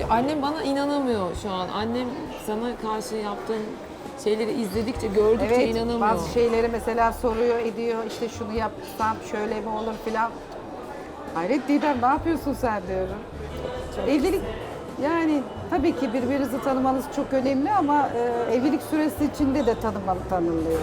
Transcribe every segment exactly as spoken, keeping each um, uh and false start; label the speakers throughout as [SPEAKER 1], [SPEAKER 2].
[SPEAKER 1] Annem bana inanamıyor şu an. Annem sana karşı yaptığın şeyleri izledikçe, gördükçe
[SPEAKER 2] Evet,
[SPEAKER 1] inanamıyor.
[SPEAKER 2] bazı şeyleri mesela soruyor, ediyor. İşte şunu yapsam şöyle mi olur filan. Hayret Didem, ne yapıyorsun sen diyorum. Evlilik yani tabii ki birbirinizi tanımanız çok önemli ama e, evlilik süresi içinde de tanımalı tanınıyor.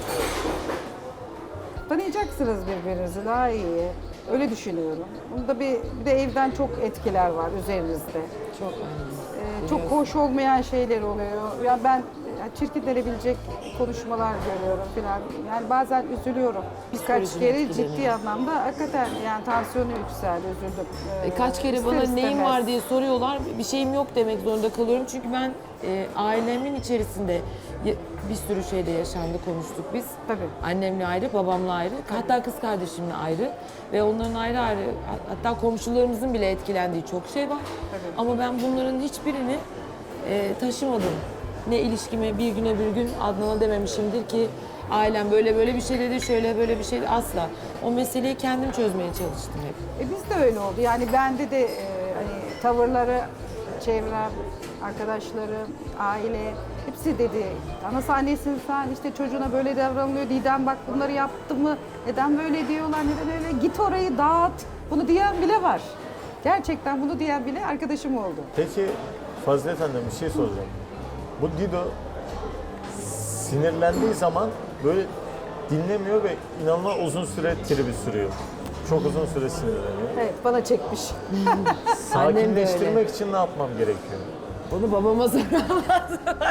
[SPEAKER 2] Tanıyacaksınız birbirinizi daha iyi. Öyle düşünüyorum. Bunda bir, bir de evden çok etkiler var üzerinizde.
[SPEAKER 1] Çok önemli.
[SPEAKER 2] Ee, çok hoş olmayan şeyler oluyor. Ya ben ya çirkinlenebilecek konuşmalar görüyorum falan. Yani bazen üzülüyorum. Birkaç
[SPEAKER 1] Psikolojin
[SPEAKER 2] kere
[SPEAKER 1] etkileniyor.
[SPEAKER 2] ciddi anlamda hakikaten yani tansiyonu yükseldi, üzüldüm. Ee,
[SPEAKER 1] E, kaç kere
[SPEAKER 2] ister
[SPEAKER 1] bana
[SPEAKER 2] istemez.
[SPEAKER 1] neyin var diye soruyorlar. Bir şeyim yok demek zorunda kalıyorum. Çünkü ben e, ailemin içerisinde ya- bir sürü şeyde yaşandı, konuştuk biz.
[SPEAKER 2] Tabii.
[SPEAKER 1] Annemle ayrı, babamla ayrı, hatta kız kardeşimle ayrı ve onların ayrı ayrı, hatta komşularımızın bile etkilendiği çok şey var.
[SPEAKER 2] Tabii.
[SPEAKER 1] Ama ben bunların hiçbirini e, taşımadım. Ne ilişkime bir güne bir gün Adnan'a dememişimdir ki ailem böyle böyle bir şey dedi, şöyle böyle bir şey dedi. Asla. O meseleyi kendim çözmeye çalıştım hep.
[SPEAKER 2] E biz de öyle oldu. Yani bende de e, hani tavırları, çevrem, arkadaşlarım, aile hepsi dedi. Nasıl annesin sen, işte çocuğuna böyle davranılıyor. Didem bak bunları yaptı mı? Neden böyle diyorlar? Neden öyle? Git orayı dağıt. Bunu diyen bile var. Gerçekten bunu diyen bile arkadaşım oldu.
[SPEAKER 3] Peki Fazilet Hanım bir şey soracağım. Bu Dido sinirlendiği zaman böyle dinlemiyor ve inanılmaz uzun süre tribi sürüyor. Çok uzun süre sinirleniyor.
[SPEAKER 2] Evet, bana çekmiş.
[SPEAKER 3] Sakinleştirmek için ne yapmam gerekiyor?
[SPEAKER 1] Bunu babama sorarlar.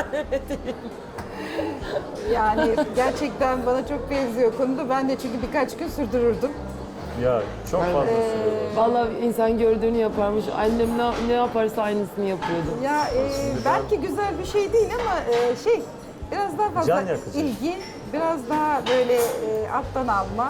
[SPEAKER 2] Yani gerçekten bana çok benziyor konuda. Ben de çünkü birkaç gün sürdürürdüm.
[SPEAKER 3] Ya çok fazla sürüyor.
[SPEAKER 1] Vallahi insan gördüğünü yaparmış. Annem ne, ne yaparsa aynısını yapıyordu.
[SPEAKER 2] Ya e, belki güzel bir şey değil ama e, şey biraz daha fazla
[SPEAKER 3] Can yakıcı.
[SPEAKER 2] ilgi, biraz daha böyle e, alttan alma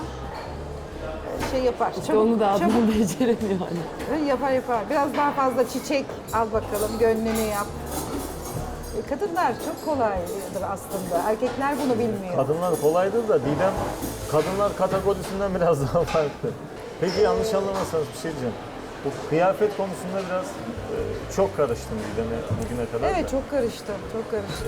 [SPEAKER 2] e, şey yapar.
[SPEAKER 1] İşte onu da adını beceremiyor hani.
[SPEAKER 2] çabuk yapar yapar. Biraz daha fazla çiçek al bakalım, gönlünü yap. E, kadınlar çok kolaydır aslında. Erkekler bunu bilmiyor.
[SPEAKER 3] Kadınlar kolaydır da Didem kadınlar kategorisinden biraz daha farklı. Peki yanlış anlamazsanız bir şey diyeceğim. Bu kıyafet konusunda biraz e, çok karıştım Didem'e bugüne kadar
[SPEAKER 2] Evet
[SPEAKER 3] da.
[SPEAKER 2] çok karıştım, çok karıştım.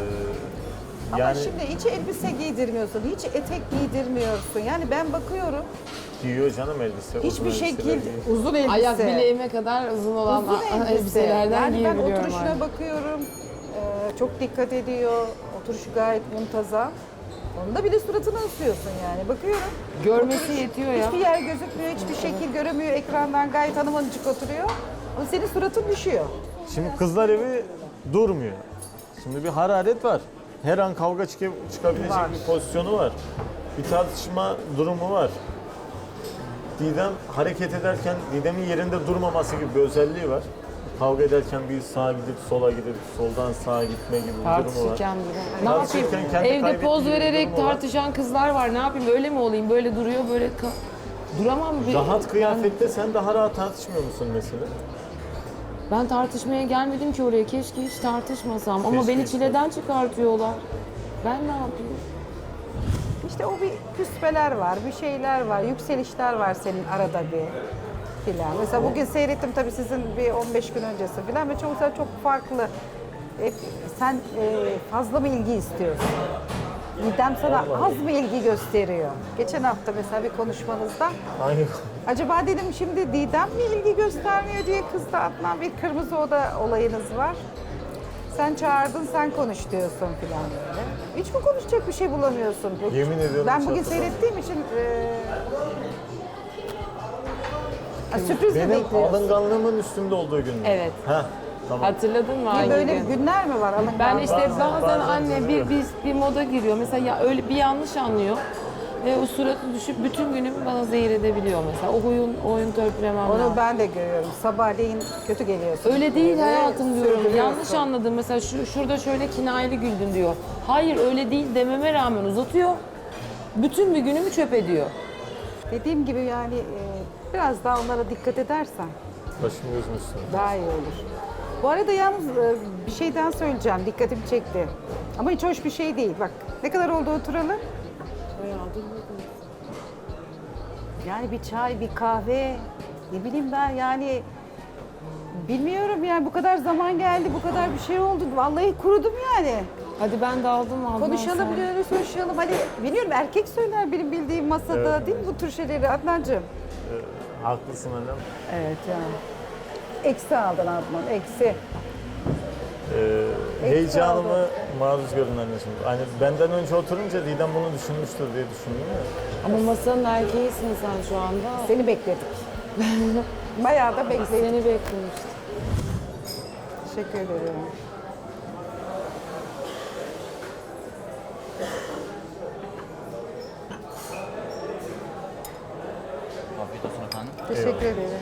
[SPEAKER 3] Ee,
[SPEAKER 2] Ama
[SPEAKER 3] yani
[SPEAKER 2] şimdi hiç elbise giydirmiyorsun, hiç etek giydirmiyorsun. Yani ben bakıyorum
[SPEAKER 3] giyiyor canım elbise. uzun
[SPEAKER 2] hiçbir
[SPEAKER 3] elbiseler
[SPEAKER 2] şekil
[SPEAKER 3] giyiyor.
[SPEAKER 2] uzun elbise.
[SPEAKER 1] Ayak bileğime kadar uzun olan
[SPEAKER 2] Uzun
[SPEAKER 1] a-
[SPEAKER 2] elbise.
[SPEAKER 1] elbiselerden
[SPEAKER 2] Yani ben
[SPEAKER 1] giyebiliyorum
[SPEAKER 2] oturuşuna
[SPEAKER 1] artık.
[SPEAKER 2] bakıyorum. Ee, çok dikkat ediyor. Oturuşu gayet muntazam. Onda bile suratını ısıyorsun yani. Bakıyorum.
[SPEAKER 1] Görmesi
[SPEAKER 2] Oturuş-
[SPEAKER 1] yetiyor ya.
[SPEAKER 2] Hiçbir yer gözükmüyor, hiçbir şekil göremiyor. Ekrandan gayet hanımcık oturuyor. Ama senin suratın düşüyor.
[SPEAKER 3] Şimdi kızlar evi durmuyor. Şimdi bir hararet var. Her an kavga çık- çıkabilecek
[SPEAKER 2] Var.
[SPEAKER 3] bir pozisyonu var. Bir tartışma durumu var. Didem hareket ederken Didem'in yerinde durmaması gibi bir özelliği var. Kavga ederken bir sağa gidip sola gidip soldan sağa gitme gibi bir durumu var.
[SPEAKER 1] Tartışırken durum. Ne
[SPEAKER 3] Tartışırken
[SPEAKER 1] yapayım?
[SPEAKER 3] kendi
[SPEAKER 1] Evde
[SPEAKER 3] kaybettiği
[SPEAKER 1] poz
[SPEAKER 3] bir
[SPEAKER 1] vererek
[SPEAKER 3] durumu var.
[SPEAKER 1] tartışan kızlar var. Ne yapayım? Öyle mi olayım? Böyle duruyor, böyle ka- duramam. Bir-
[SPEAKER 3] Rahat kıyafette sen daha rahat tartışmıyor musun mesela?
[SPEAKER 1] Ben, ben tartışmaya gelmedim ki oraya. Keşke hiç tartışmasam. Ama
[SPEAKER 3] Keşke
[SPEAKER 1] beni
[SPEAKER 3] hiç
[SPEAKER 1] çileden çıkartıyorlar. Ben ne yapayım?
[SPEAKER 2] İşte o bir küspeler var, bir şeyler var, yükselişler var senin arada bir filan. Mesela bugün seyrettim tabii sizin bir on beş gün öncesi filan ve çok güzel, çok farklı. Hep sen e, fazla mı ilgi istiyorsun? Didem sana az mı ilgi gösteriyor? Geçen hafta mesela bir konuşmanızda
[SPEAKER 3] Hangi
[SPEAKER 2] acaba dedim şimdi Didem mi ilgi göstermiyor diye kızdı Adnan, bir kırmızı oda olayınız var. Sen çağırdın, sen konuş diyorsun filan böyle. Hiç mi konuşacak bir şey bulamıyorsun?
[SPEAKER 3] Yemin ediyorum
[SPEAKER 2] Ben
[SPEAKER 3] hiç
[SPEAKER 2] bugün
[SPEAKER 3] hatırlamıyorum.
[SPEAKER 2] seyrettiğim için e, ha, sürpriz mi
[SPEAKER 3] Benim
[SPEAKER 2] bekliyorsun?
[SPEAKER 3] alınganlığımın üstümde olduğu gün mü?
[SPEAKER 1] Evet.
[SPEAKER 3] Heh, tamam.
[SPEAKER 1] Hatırladın mı?
[SPEAKER 2] Bir
[SPEAKER 1] hangi
[SPEAKER 2] böyle
[SPEAKER 1] gün?
[SPEAKER 2] günler mi var alıngan?
[SPEAKER 1] Ben işte
[SPEAKER 3] Bazen-
[SPEAKER 1] bazen,
[SPEAKER 3] bazen
[SPEAKER 1] anne bir,
[SPEAKER 3] üzülüyorum.
[SPEAKER 1] bir, bir moda giriyor. Mesela ya öyle bir yanlış anlıyor. Ve o suratı düşüp bütün günümü bana zehir edebiliyor mesela. O oyun, oyun törpülemem
[SPEAKER 2] Onu
[SPEAKER 1] lazım.
[SPEAKER 2] ben de görüyorum. Sabahleyin kötü geliyorsun.
[SPEAKER 1] Öyle değil
[SPEAKER 2] Böyle
[SPEAKER 1] hayatım diyorum.
[SPEAKER 2] sürdürüyorsun.
[SPEAKER 1] Yanlış anladım. Mesela şu, şurada şöyle kinayeli güldün diyor. Hayır öyle değil dememe rağmen uzatıyor. Bütün bir günümü çöp ediyor.
[SPEAKER 2] Dediğim gibi yani e, biraz daha onlara dikkat edersen
[SPEAKER 3] Başım gözüm üstüne.
[SPEAKER 2] daha iyi olur. Bu arada yalnız e, bir şeyden söyleyeceğim. Dikkatimi çekti. Ama hiç hoş bir şey değil. Bak ne kadar oldu oturalı? Yani bir çay, bir kahve, ne bileyim ben yani Bilmiyorum yani bu kadar zaman geldi, bu kadar bir şey oldu. Vallahi kurudum yani.
[SPEAKER 1] Hadi ben de aldım Adnan.
[SPEAKER 2] Konuşalım
[SPEAKER 1] sen-
[SPEAKER 2] diyoruz, konuşalım. Hani biliyorum erkek söyler benim bildiğim masada
[SPEAKER 3] Evet.
[SPEAKER 2] değil mi bu tür şeyleri Adnancığım?
[SPEAKER 3] Ee, haklısın annem.
[SPEAKER 2] Evet yani. Eksi aldın Adnan, eksi.
[SPEAKER 3] Ee, heyecanımı maruz görün anneciğim. Hani benden önce oturunca Didem bunu düşünmüştür diye düşündüm ya.
[SPEAKER 1] Ama masanın erkeğisin sen şu anda.
[SPEAKER 2] Seni bekledik. Bayağı da
[SPEAKER 1] Biz
[SPEAKER 2] bekledik.
[SPEAKER 1] seni beklemiştik.
[SPEAKER 2] Teşekkür ederim.
[SPEAKER 4] Afiyet olsun efendim.
[SPEAKER 2] Teşekkür ederim.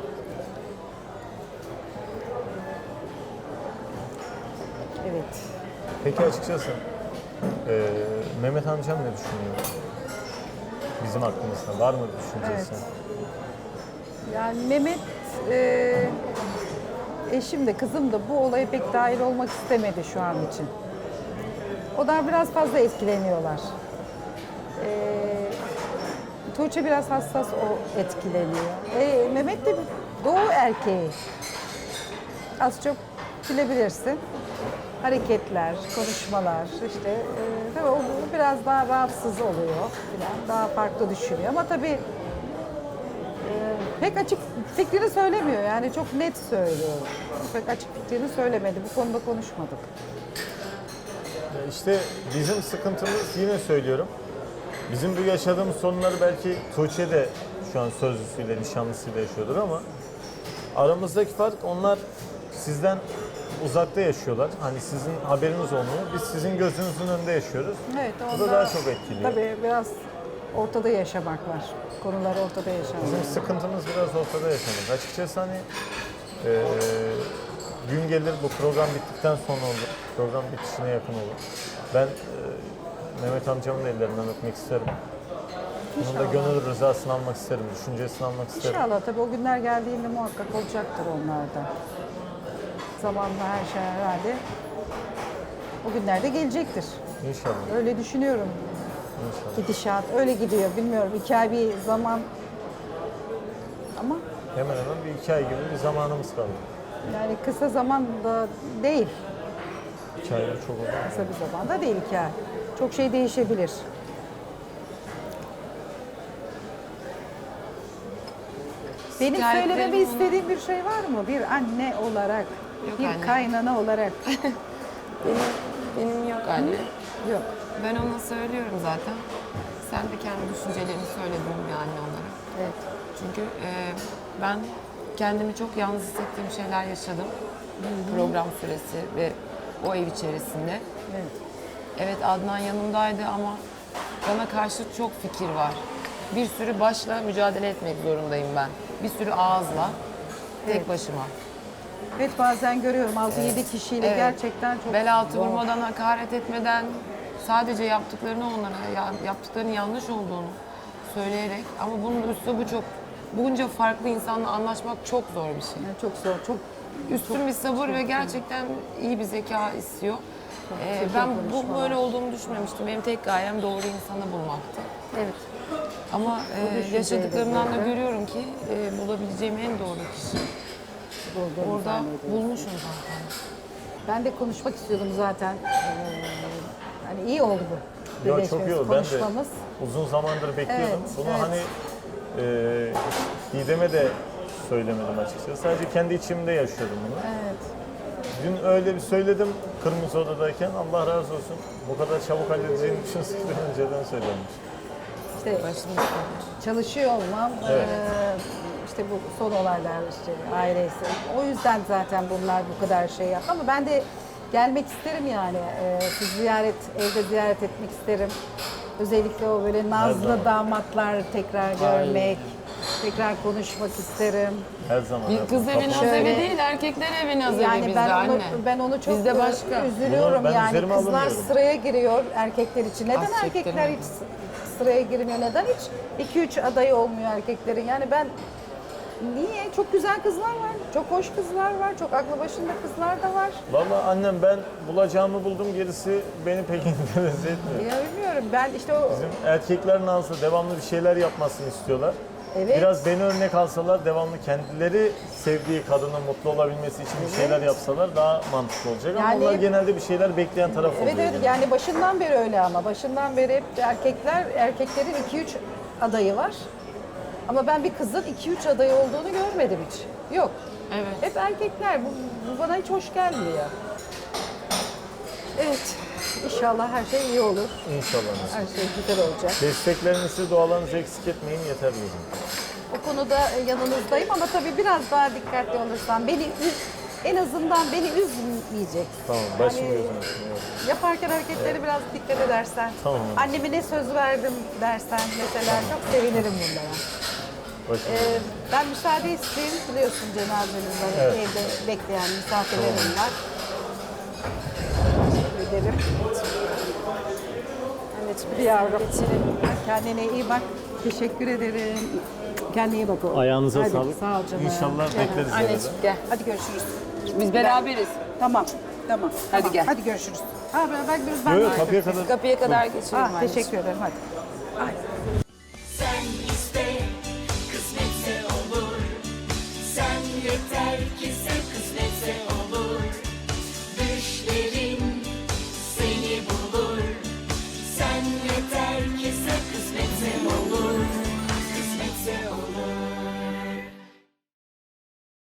[SPEAKER 2] Evet.
[SPEAKER 3] Peki açıkçası ee, Mehmet amcam ne düşünüyor? Bizim hakkımızda var mı düşüncesi?
[SPEAKER 2] Evet. Yani Mehmet, e, eşim de kızım da bu olaya pek dahil olmak istemedi şu an için. O da biraz fazla etkileniyorlar. E, Tuğçe biraz hassas, o etkileniyor. E, Mehmet de doğu erkeği. Az çok bilebilirsin. Hareketler, konuşmalar, işte e, tabii o bu biraz daha rahatsız oluyor falan, daha farklı düşünüyor. Ama tabii e, pek açık fikrini söylemiyor, yani çok net söylüyor. Pek açık fikrini söylemedi, bu konuda konuşmadık.
[SPEAKER 3] Ya İşte bizim sıkıntımız, yine söylüyorum. Bizim bu yaşadığımız sorunları belki Tuğçe de şu an sözlüsüyle, nişanlısıyla yaşıyordur ama aramızdaki fark, onlar sizden uzakta yaşıyorlar. Hani sizin haberiniz olmuyor. Biz sizin gözünüzün önünde yaşıyoruz.
[SPEAKER 2] Evet,
[SPEAKER 3] Bu da daha çok etkiliyor.
[SPEAKER 2] Tabii biraz ortada yaşamak var, konular ortada yaşamak.
[SPEAKER 3] Bizim sıkıntımız biraz ortada yaşamak. Açıkçası hani eee, gün gelir, bu program bittikten sonra olur. Program bitişine yakın olur. Ben eee, Mehmet amcamın ellerinden öpmek isterim. Onun da gönül rızasını almak isterim, düşüncesini almak isterim.
[SPEAKER 2] İnşallah tabii o günler geldiğinde muhakkak olacaktır onlarda. Zamanla her şey herhalde o günlerde gelecektir.
[SPEAKER 3] İnşallah,
[SPEAKER 2] Öyle düşünüyorum.
[SPEAKER 3] inşallah.
[SPEAKER 2] Gidişat öyle gidiyor. Bilmiyorum iki ay bir zaman ama
[SPEAKER 3] Hemen hemen bir iki ay gibi bir zamanımız kaldı.
[SPEAKER 2] yani kısa zaman da değil.
[SPEAKER 3] İki ay çok oldu.
[SPEAKER 2] Kısa bir zaman da değil iki ay. Çok şey değişebilir. Benim
[SPEAKER 1] Şikayetlerim
[SPEAKER 2] söylememi
[SPEAKER 1] ona-
[SPEAKER 2] istediğin bir şey var mı? Bir anne olarak,
[SPEAKER 1] Yok
[SPEAKER 2] bir
[SPEAKER 1] anne.
[SPEAKER 2] kaynana olarak.
[SPEAKER 1] Benim, benim yok anne.
[SPEAKER 2] Yok.
[SPEAKER 1] Ben ona söylüyorum zaten. Sen de kendi düşüncelerini söyledin bir anne olarak.
[SPEAKER 2] Evet.
[SPEAKER 1] Çünkü e, ben kendimi çok yalnız hissettiğim şeyler yaşadım. Program süresi ve o ev içerisinde.
[SPEAKER 2] Evet.
[SPEAKER 1] Evet Adnan yanımdaydı ama bana karşı çok fikir var. Bir sürü başla mücadele etmek zorundayım ben. Bir sürü ağızla, tek
[SPEAKER 2] Evet.
[SPEAKER 1] başıma.
[SPEAKER 2] Evet bazen görüyorum altı yedi kişiyle
[SPEAKER 1] Evet.
[SPEAKER 2] gerçekten çok
[SPEAKER 1] Bel altı
[SPEAKER 2] zor.
[SPEAKER 1] vurmadan, hakaret etmeden, sadece yaptıklarını onlara, ya- yaptıklarının yanlış olduğunu söyleyerek, ama bunun üslubu çok, bunca farklı insanla anlaşmak çok zor bir şey.
[SPEAKER 2] Yani çok zor, çok
[SPEAKER 1] Üstün bir sabır ve gerçekten iyi bir zeka istiyor. Ee,
[SPEAKER 2] zeki
[SPEAKER 1] ben bu
[SPEAKER 2] konuşmalar.
[SPEAKER 1] böyle olduğumu düşünmemiştim. Benim tek gayem doğru insanı bulmaktı.
[SPEAKER 2] evet.
[SPEAKER 1] Ama e,
[SPEAKER 2] düşünceyle
[SPEAKER 1] yaşadıklarımdan da
[SPEAKER 2] zaten.
[SPEAKER 1] görüyorum ki e, bulabileceğim en doğru kişi.
[SPEAKER 2] Bulduğunu
[SPEAKER 1] Orada
[SPEAKER 2] zannediyorum.
[SPEAKER 1] bulmuşum zaten.
[SPEAKER 2] Ben de konuşmak istiyordum zaten. Ee, hani iyi oldu bu.
[SPEAKER 3] Ya çok
[SPEAKER 2] birleşmemiz,
[SPEAKER 3] iyi oldu. Ben de
[SPEAKER 2] konuşmamız.
[SPEAKER 3] uzun zamandır bekliyordum.
[SPEAKER 2] Evet,
[SPEAKER 3] Bunu
[SPEAKER 2] evet.
[SPEAKER 3] hani e, Didem'e de söylemedim açıkçası. Sadece kendi içimde yaşıyordum bunu.
[SPEAKER 2] Evet.
[SPEAKER 3] Dün öyle bir söyledim Kırmızı Oda'dayken. Allah razı olsun. Bu kadar çabuk halledeceğini düşünseydim önceden söylemiş.
[SPEAKER 2] İşte
[SPEAKER 1] Başım üstüne.
[SPEAKER 2] çalışıyor olmam,
[SPEAKER 3] Evet.
[SPEAKER 2] eee, işte bu son olaylar, işte ailesi. O yüzden zaten bunlar bu kadar şey yaptı. Ama ben de gelmek isterim yani. Eee siz ziyaret, evde ziyaret etmek isterim. Özellikle o böyle nazlı
[SPEAKER 3] zaman.
[SPEAKER 2] damatlar tekrar görmek, tekrar konuşmak isterim.
[SPEAKER 3] Her zaman.
[SPEAKER 1] Bir
[SPEAKER 3] her
[SPEAKER 1] kız
[SPEAKER 3] zaman.
[SPEAKER 1] evi naz
[SPEAKER 2] Şöyle-
[SPEAKER 1] evi değil, erkekler evi naz evi
[SPEAKER 2] Yani
[SPEAKER 1] bizde
[SPEAKER 2] ben
[SPEAKER 1] anne.
[SPEAKER 2] onu ben onu çok
[SPEAKER 1] Bizde
[SPEAKER 2] e,
[SPEAKER 1] başka.
[SPEAKER 2] üzülüyorum
[SPEAKER 3] Bunu ben
[SPEAKER 2] yani.
[SPEAKER 3] üzerime
[SPEAKER 2] Kızlar
[SPEAKER 3] alınmıyorum.
[SPEAKER 2] sıraya giriyor erkekler için. Neden
[SPEAKER 1] Az
[SPEAKER 2] erkekler
[SPEAKER 1] çektirme.
[SPEAKER 2] hiç s- sıraya girmiyor? Neden hiç iki üç adayı olmuyor erkeklerin? Yani ben niye? Çok güzel kızlar var. Çok hoş kızlar var. Çok aklı başında kızlar da var.
[SPEAKER 3] Vallahi annem, ben bulacağımı buldum, gerisi beni pek interese etmiyor.
[SPEAKER 2] Ya bilmiyorum. Ben işte o
[SPEAKER 3] Bizim erkekler nazlı, devamlı bir şeyler yapmasını istiyorlar.
[SPEAKER 2] Evet.
[SPEAKER 3] Biraz beni örnek alsalar, devamlı kendileri sevdiği kadının mutlu olabilmesi için bir şeyler yapsalar daha mantıklı olacak. Ama
[SPEAKER 2] Yani-
[SPEAKER 3] onlar genelde bir şeyler bekleyen taraf oluyor.
[SPEAKER 2] Evet evet
[SPEAKER 3] genelde.
[SPEAKER 2] yani başından beri öyle ama başından beri hep erkekler erkeklerin iki üç adayı var. Ama ben bir kızın iki üç adayı olduğunu görmedim hiç. Yok.
[SPEAKER 1] Evet.
[SPEAKER 2] Hep erkekler. Bu, bu bana hiç hoş gelmiyor. Evet. İnşallah her şey iyi olur.
[SPEAKER 3] İnşallah.
[SPEAKER 2] Her şey güzel olacak.
[SPEAKER 3] Desteklerinizi, dualarınızı eksik etmeyin, yeter diyorum.
[SPEAKER 2] O konuda yanınızdayım ama tabii biraz daha dikkatli olursan beni üz, en azından beni üzmeyecek.
[SPEAKER 3] Tamam, başım
[SPEAKER 2] Hani-
[SPEAKER 3] gözüm üstüne. Evet.
[SPEAKER 2] Yaparken hareketleri biraz dikkat edersen.
[SPEAKER 3] Tamam.
[SPEAKER 2] Anneme ne söz verdim dersen mesela çok sevinirim bunlara.
[SPEAKER 3] Başım
[SPEAKER 2] Ee, ben müsaade isteyeyim. Biliyorsun cenazemiz var.
[SPEAKER 3] Evet.
[SPEAKER 2] Evde bekleyen misafirlerim var. Teşekkür ederim.
[SPEAKER 1] Anneciğim,
[SPEAKER 2] Bir yavrum.
[SPEAKER 1] geçelim.
[SPEAKER 2] Kendine iyi bak. Teşekkür ederim. Kendine iyi bak oğlum.
[SPEAKER 3] Ayağınıza
[SPEAKER 2] Hadi,
[SPEAKER 3] sağlık.
[SPEAKER 2] Sağ ol canım.
[SPEAKER 3] İnşallah
[SPEAKER 2] Canım.
[SPEAKER 3] bekleriz.
[SPEAKER 1] Anneciğim
[SPEAKER 3] arada.
[SPEAKER 1] gel.
[SPEAKER 2] Hadi görüşürüz.
[SPEAKER 1] Biz beraberiz.
[SPEAKER 2] Tamam. Tamam.
[SPEAKER 1] Hadi
[SPEAKER 2] tamam.
[SPEAKER 1] gel.
[SPEAKER 2] Hadi görüşürüz. Ha ben ben, ben
[SPEAKER 3] Yok yok, kapıya kadar.
[SPEAKER 1] Kapıya kadar geçelim
[SPEAKER 2] Ah,
[SPEAKER 1] anneciğim.
[SPEAKER 2] teşekkür ederim. Hadi. Ay.
[SPEAKER 5] Sen iste, kısmetse olur. Sen yeter ki sen kısmetse olur. Düşlerin seni bulur. Sen yeter ki sen kısmetse olur. Kısmetse olur.